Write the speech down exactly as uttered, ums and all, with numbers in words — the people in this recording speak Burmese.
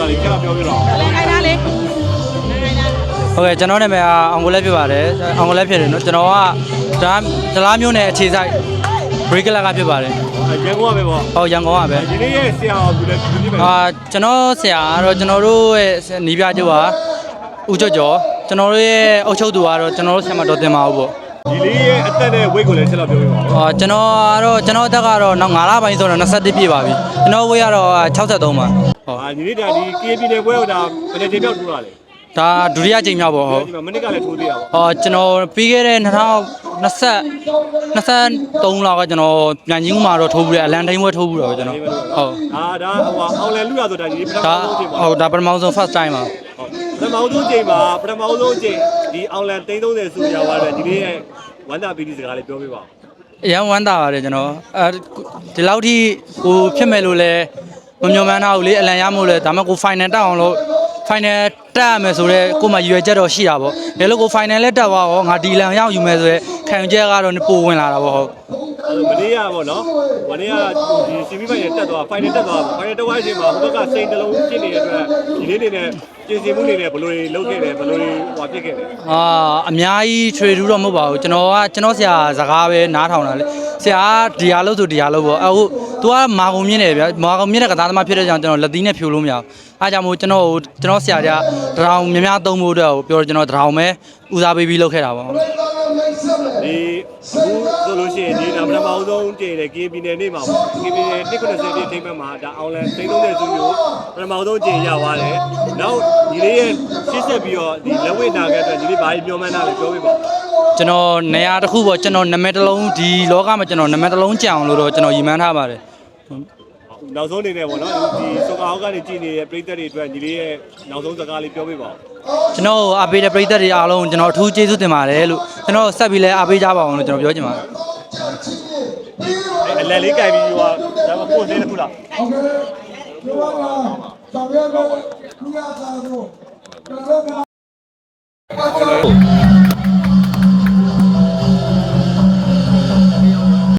လေကျတော့ပြောပြတော့လေခိုင်းသားလေဟုတ်ကဲ့ကျွန်တော်နာမည်ကအောင်ကိုလက်ဖြစ်ပါတယ်အောင်ကိုလက်ဖြစ်တယ်နော်ကျွန်တော်ကဒါဒလားမျိုးနဲ့အခြေဆိုင် break ကဖြစ်ပါတယ်ရန်ကုန်ကပဲပေါ့ဟုတ်ရန်ကုန်ကပဲဒီနေ့ရဲ့ဆရာတော်ဘူးလည်းဘူးပြမယ်အာကျွန်တော်ဆရာကတော့ကျွန်တော်တို့ရဲ့နီးပြကျုပ်ကဦးကျော်ကျော်ကျွန်တော်တို့ရဲ့အုပ်ချုပ်သူကတော့ကျွန်တော်တို့ဆရာမတော်တင်ပါဘူးပေါ့ဒီလေးရဲ့အသက်နဲ့ weight ကိုလည်းချက်တော့ပြောပြပါဦးအာကျွန်တော်ကတော့ကျွန်တော်အသက်ကတော့နောက်၅လပိုင်းဆိုတော့၂၁ပြည့်ပါပြီကျွန်တော် weight ကတော့၆၃ပါဟုတ်အာဒီနေ့ဒါဒီ K P နယ်ပွဲကဒါဘယ်နဲ့ချိန်မြောက်ထိုးတာလဲဒါဒုတိယကြိမ်မြောက်ပေါ့ဟုတ်ဒီမှာမနစ်ကလည်းထိုးသေးတာပေါ့ဟောကျွန်တော်ပြီးခဲ့တဲ့၂၀၂၀ ၂၃လောက်ကကျွန်တော်ပြန်ကြီးမှာတော့ထိုးပြီးအလန်တိုင်းဝဲထိုးပြီးတော့ကျွန်တော်ဟုတ်အာဒါဟိုအောင်လန်လူရဆိုတာဒီပထမဒါဆုံးချိန်ပါဟုတ်ဒါပထမဆုံး first time ပါပထမဆုံးချိန်မှာပထမဆုံးချိန်ဒီအောင်လန်သိန်းသုံးဆယ်စုရောက်သွားတယ်ဒီနေ့ရဲ့ဝမ်းသာပီတိစကားလေးပြောပြပါဦးအရန်ဝမ်းသာပါတယ်ကျွန်တော်အဲဒီလောက်ထိကိုဖြစ်မဲ့လို့လဲမမျှော်မှန်းထားဘူးလေအလန်ရမို့လဲဒါမှကို final တက်အောင်လို့ final တက်ရမယ်ဆိုတော့ကိုမှရွယ်ချက်တော့ရှိတာပေါ့ဒါလို့ကို final လက်တက်သွားတော့ငါဒီလန်ရောက်ယူမယ်ဆိုရဲခံယူချက်ကတော့ပိုဝင်လာတာပေါ့ဟုတ်အဲ့မနေ့ကပေါ့နော်မနေ့ကဒီ စီ ဗီ ဖိုင်နယ်တက်သွား final တက်သွား final တက်သွားချိန်မှာဟိုဘက်ကစိန်တလုံးဖြစ်နေတဲ့အတွက်ဒီနေ့နေနဲ့ပြင်ဆင်မှုနေနဲ့ဘယ်လိုတွေလုပ်ခဲ့တယ်ဘယ်လိုတွေဟွာဖြစ်ခဲ့တယ်အာအများကြီးထွေထူးတော့မဟုတ်ပါဘူးကျွန်တော်ကကျွန်တော်ဆရာစကားပဲနားထောင်တာလေဆရာဒီဟာလို့ဆိုဒီဟာလို့ပေါ့အခု तू ကမာကုံမြင့်နေဗျာမာကုံမြင့်တဲ့ကစားသမားဖြစ်တဲ့ကြောင့်ကျွန်တော်လက်သီးနဲ့ဖြိုလို့မရဘူးအားကြောင့်မို့ကျွန်တော်ကျွန်တော်ဆရာကတရောင်များများသုံးဖို့အတွက်ပြောကျွန်တော်တရောင်ပဲဦးစားပေးပြီးလုပ်ခဲ့တာပေါ့ဒီအခုဆိုလို့ရှိရင်ဒီဒါပထမအောင်ဆုံးတည်တယ် K P နယ်နေ့မှာပေါ့ K P နယ်တစ်ခုနှစ်ဆယ်တိထိပ်မှတ်မှာဒါအောင်လန်သိန်းသုံးဆယ်စုမျိုးပထမအောင်ဆုံးကျင်ရသွားတယ်နောက်ဒီလေးရဲ့ရှစ်ဆက်ပြီးတော့ဒီလက်ဝဲနာခဲ့အတွက်ဒီလေးဘာကြီးပြောမှန်းတာလဲပြောပြပါကျွန်တော်နေရာတစ်ခုပေါ့ကျွန်တော်နာမည်တစ်လုံးဒီလောကမှာကျွန်တော်နာမည်တစ်လုံးကြံအောင်လို့တော့ကျွန်တော်ရည်မှန်းထားပါတယ်နောက်ဆုံးအနေနဲ့ပေါ့နော်ဒီစောကာဟောက်ကနေကြည်နေတဲ့ပရိသတ်တွေအတွက်ဒီလေးရဲ့နောက်ဆုံးစကားလေးပြောပြပါဦးကျွန်တော်အားပေးတဲ့ပရိသတ်တွေအားလုံးကျွန်တော်အထူးကျေးဇူးတင်ပါတယ်လို့ကျွန်တော်ဆက်ပြီးလဲအားပေးကြပါအောင်လို့ကျွန်တော်ပြောချင်ပါတယ်အလယ်လေးကြိုင်ပြီးဟိုဒါမှပို့သေးတယ်ခုလားဟုတ်ကဲ့ဒီမှာဆောင်ရွက်တော့လူရသားတို့ကျွန်တော်တို့